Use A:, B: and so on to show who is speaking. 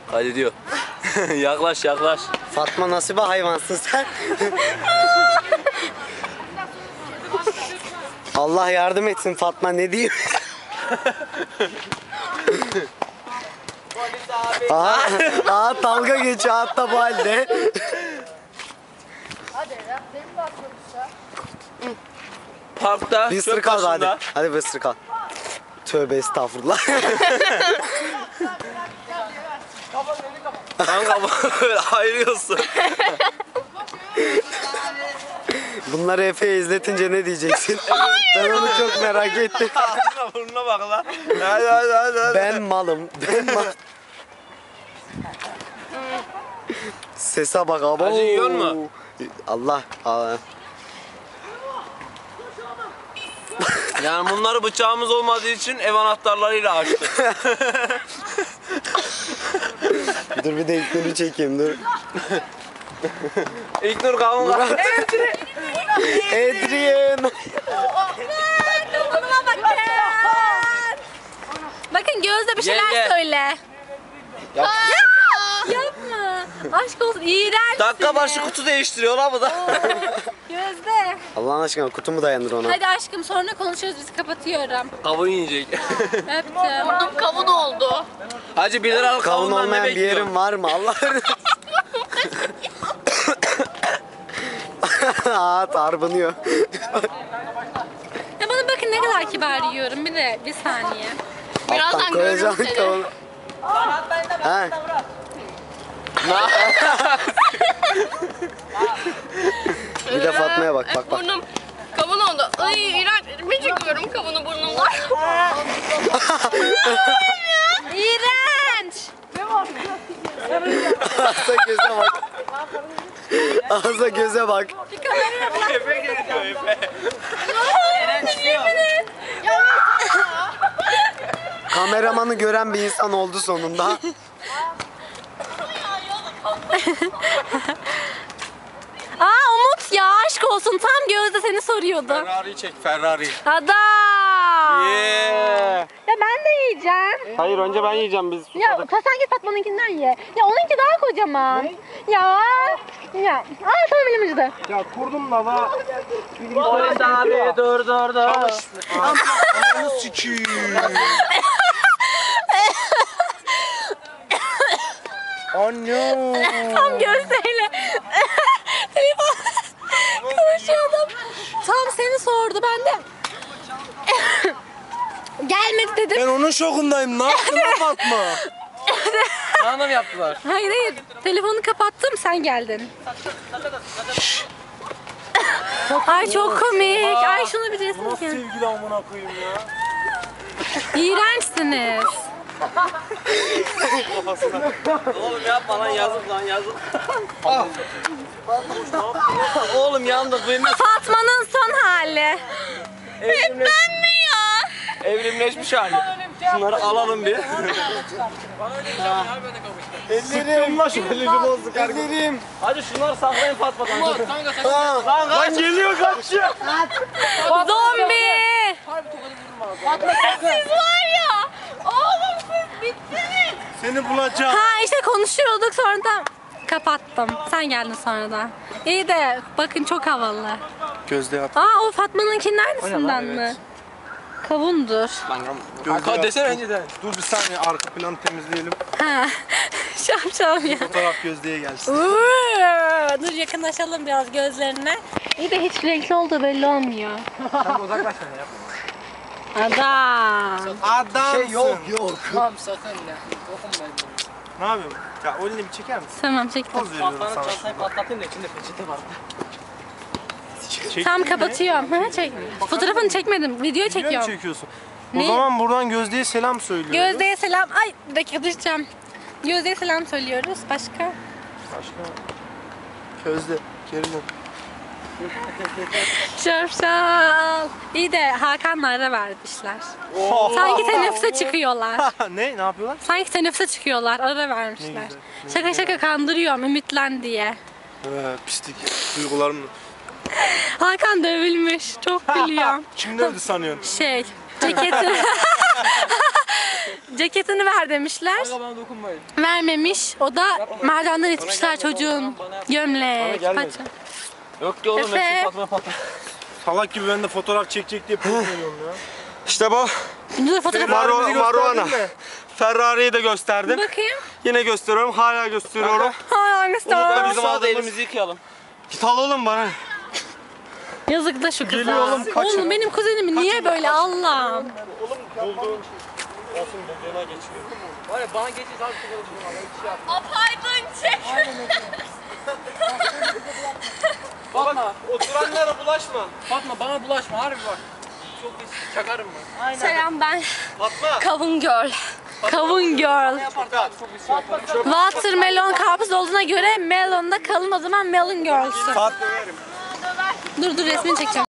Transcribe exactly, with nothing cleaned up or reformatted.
A: Hadi diyor. Yaklaş yaklaş.
B: Fatma nasıl bir hayvansın sen? Allah yardım etsin Fatma, ne diyeyim? Aha, aha dalga geçiyor hatta bu halde.
A: Parkta
B: Bir
A: çöp
B: ısırık al hadi.
A: başında.
B: Hadi bir ısırık al. Tövbe estağfurullah.
A: Kanka böyle ayırıyorsun.
B: Bunları Efe'ye izletince ne diyeceksin? Ben onu çok merak ettim.
A: Ağzına burnuna bak lan. Hadi hadi hadi. hadi.
B: Ben malım. Ben mal. Sese bak abi.
A: Acı yiyor mu?
B: Allah. Allah.
A: Yani bunları bıçağımız olmadığı için ev anahtarlarıyla açtık.
B: Dur bir de ilkleri çekeyim dur.
A: İlknur kavga.
B: Adrian.
C: Dokunuma bakın. Bakın Gözde bir şeyler
A: Gel, gel.
C: söyle.
A: Yap.
C: Ya, yapma. Aşk olsun, iğrençsin.
A: Dakika başı kutu değiştiriyor lan bu da.
C: Gözde.
B: Allah'ın aşkına kutumu dayandır ona.
C: Hadi aşkım sonra konuşuruz, biz kapatıyorum.
A: Kavun yiyecek.
C: Öptüm.
D: Burnum kavun oldu.
A: Hacı bir liralık
B: Kavun
A: kavundan ne
B: olmayan bir
A: bekliyorsun?
B: yerin var mı? Allah'ın. Aa tarbanıyor.
C: Ya bana bakın ne kadar kibar yiyorum. Bir de bir saniye.
D: Birazdan
B: Alttan
D: görürüm
B: koyacağım
D: seni.
B: kavunu. Ha. Bir de Fatma'ya bak, bak, bak.
D: Burnum kavun oldu. Ay iğrenç. Ben çekiyorum kavunu burnumdan.
C: İğrenç.
B: Ağza göze bak. Ağza göze bak.
C: Bir kameraya bak.
A: Efe geliyor Efe.
B: Kameramanı gören bir insan oldu sonunda.
C: Aa Umut ya, aşk olsun, tam Gözde seni soruyordu.
A: Ferrari çek Ferrari.
C: Adam.
A: Yeah.
C: Ya ben de yiyeceğim.
A: Hayır önce ben yiyeceğim biz.
C: Ya sen git Fatma'nınkinden ye. Ya onunki daha kocaman. Ne? Ya. Ya. Aa tamam, elim acıdı.
B: Ya kurdum lava.
A: Polis abi dur dur dur.
B: Ananı sikiyim. Anne.
C: Tam Gözde'yle telefon konuşuyordum. Tam seni sordu, ben de gelmedi dedim.
B: Ben onun şokundayım. Ne yaptın lan Fatma?
A: Sana mı yaptılar?
C: Hayır hayır, telefonu kapattım, sen geldin. Ay çok komik. Ay şunu bir resim çekin.
B: Sevgili amına koyayım ya.
C: İğrençsiniz.
A: Oğlum yapma lan yazık lan yazık. Oğlum yandık benim
C: Fatma'nın son hali.
A: evrimleş...
C: Ben mi ya?
A: evrimleşmiş hali. Şunları alalım bir.
B: Ellerim. Ellerim bozdu kardeşim. Ellerim.
A: Hadi şunları saklayın Fatma'dan.
B: Lan lan geliyor kaçıyor.
C: Zombi. Siz var ya. Oğlum siz bittiniz.
B: Seni bulacağım.
C: Ha işte konuşuyorduk, sonra da kapattım. Sen geldin sonra da. İyi de bakın çok havalı.
B: Gözde yap.
C: Aa o Fatma'nınkin aynısından mı? Kavundur.
A: Gözde desene önceden.
E: Dur bir saniye, arka planı temizleyelim.
C: Ha. Şapşal ya.
E: Fotoğraf Gözde'ye gelsin.
C: Uuu, dur yakınlaşalım biraz gözlerine. İyi de hiç renkli olduğu belli olmuyor.
A: Sen uzaklaş sen yap.
C: Adam.
E: Adamsın.
B: Şey yok yok.
A: Tamam sakın ya. Dokunmayın.
E: Ne yapıyorsun? Ya o elini bir çeker misin?
C: Tamam çektim.
E: Poz veriyorum sana.
A: Çantayı patlatayım da içinde peçete var.
E: Çektin
C: Tam
E: mi?
C: kapatıyorum. Ha, çek. Fotoğrafını çekmedim. Video
E: Video mu
C: çekiyorum.
E: çekiyorsun?
C: Ne?
E: O zaman buradan Gözde'ye selam söylüyoruz.
C: Gözde'ye selam. Ay bir dakika düşeceğim. Gözde'ye selam söylüyoruz. Başka?
E: Başka. Gözde. Geri dön.
C: Şapşal. İyi de Hakan'la ara vermişler. Sanki teneffüse çıkıyorlar.
E: ne? Ne yapıyorlar?
C: Sanki teneffüse çıkıyorlar. Ara vermişler.
E: Ne güzel, ne
C: Şaka şaka kandırıyorum. Ümitlen diye.
E: Ee, pislik. Duygularımla.
C: Hakan dövülmüş. Çok gülüyorum.
E: Kim dövdü sanıyorsun?
C: Şey, ceketi. ceketini ver demişler.
A: Bana dokunmayın.
C: Vermemiş. O da merdivenden itmişler çocuğun. Gömlek,
E: gelmedi.
C: paça.
A: Yok ki oğlum
C: Efe.
A: hepsi patla patla.
E: Salak gibi ben de fotoğraf çekecek diye poz veriyorum ya.
B: İşte bu.
C: Dur fotoğraf
B: Maro-
E: Ferrari'mizi
B: Maruana.
E: gösterdin mi?
B: Ferrari'yi de gösterdim.
C: bakayım.
B: Yine gösteriyorum. Hala gösteriyorum.
C: Hay hangisi
B: da
C: o?
B: bizim
A: Sağda
B: aldığımız-
A: elimizi yıkayalım.
B: Git al oğlum bana.
C: Yazık da şu kıza.
E: Geliyor oğlum, kaçın.
C: Oğlum benim kuzenim niye böyle Allah'ım?
A: Var ya bana geçeceğiz abi.
D: Apaydın çek.
A: Fatma.
B: Oturanlara bulaşma.
A: Fatma bana bulaşma harbi bak. Çok pis çakarım ben.
C: Selam ben.
B: Fatma.
C: Kavun Girl. Kavun Girl. Watermelon karpuz olduğuna göre melon da kalın, o zaman melon girl'sın.
B: Fat
C: Dur dur resmini çekeceğim.